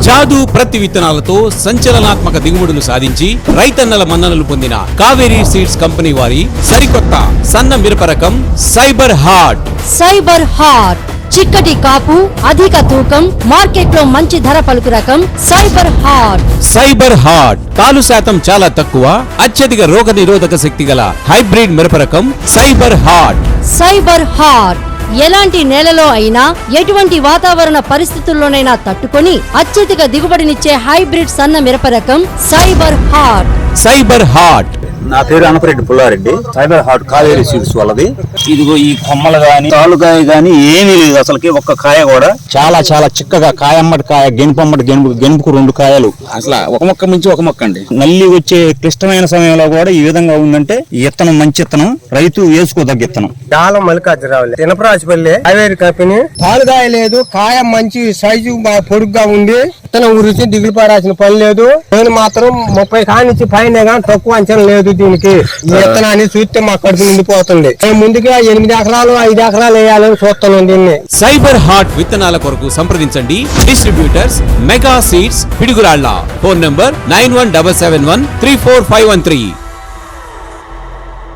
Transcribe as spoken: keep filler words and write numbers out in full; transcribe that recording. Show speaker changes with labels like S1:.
S1: జాదు ప్రతి విత్తనాలతో సంచలనాత్మక దిగుబడులు సాధించి రైతన్నల మన్ననలు పొందిన కావేరీ సీడ్స్ కంపెనీ వారి సరికొత్త సన్న మిరప రకం సైబర్ హార్ట్.
S2: సైబర్ హార్ట్ చిక్కటి కాపు, అధిక తూకం, మార్కెట్ లో మంచి ధర పలుకు రకం సైబర్ హార్ట్.
S1: సైబర్ హార్ట్ తాలు శాతం చాలా తక్కువ, అత్యధిక రోగ నిరోధక శక్తి గల హైబ్రిడ్ మిరప రకం సైబర్ హార్ట్.
S2: సైబర్ హార్ట్ ఎలాంటి నేలలో అయినా ఎటువంటి వాతావరణ పరిస్థితుల్లోనైనా తట్టుకొని అత్యధిక దిగుబడినిచ్చే హైబ్రిడ్ సన్న మిరప రకం సైబర్ హార్ట్.
S1: Cyber heart.
S3: నా పేరు Anapareddy Pullareddy. Cyber heart Kaveri seeds వాళ్ళది. ఇదిగో ఈ కొమ్మలు గాని తాలుకాయ గాని ఏమీ లేదు అసలుకి, ఒక్క కాయ కూడా చాలా చాలా చిక్కగా కాయమ్మటి కాయ, గెనుపమ్మటి గెనుపు గెనుపుకు రెండు కాయలు, అసలు ఒక మొక్క మించి ఒక మొక్క అండి. నల్లి వచ్చే క్లిష్టమైన సమయంలో కూడా ఈ విధంగా ఉందంటే ఈ విత్తనం మంచి విత్తనం, రైతు వేసుకోదగ్గ విత్తనం.
S4: చాలా మల్లికార్జునరావు తినపరాజపల్లి కావేరీ కంపెనీ. తాలుకాయ లేదు, కాయ మంచి సైజు పొడుగ్గా ఉంది, విత్తనం గురించి దిగులు పడాల్సిన పని లేదు. నేను మాత్రం ముప్పై కానించి పైన కానీ తక్కువ అంచనా లేదు దీనికి. ఈ విత్తనాన్ని చూస్తే మా కడుపు నిండిపోతుంది. నేను ముందుగా ఎనిమిది ఎకరాలు ఐదు ఎకరాలు వేయాలని చూస్తున్నాను దీన్ని.
S1: సైబర్ హార్ట్ విత్తనాల కొరకు సంప్రదించండి. Distributors mega seeds Piduguralla. Phone number nine one double seven one three four five one three.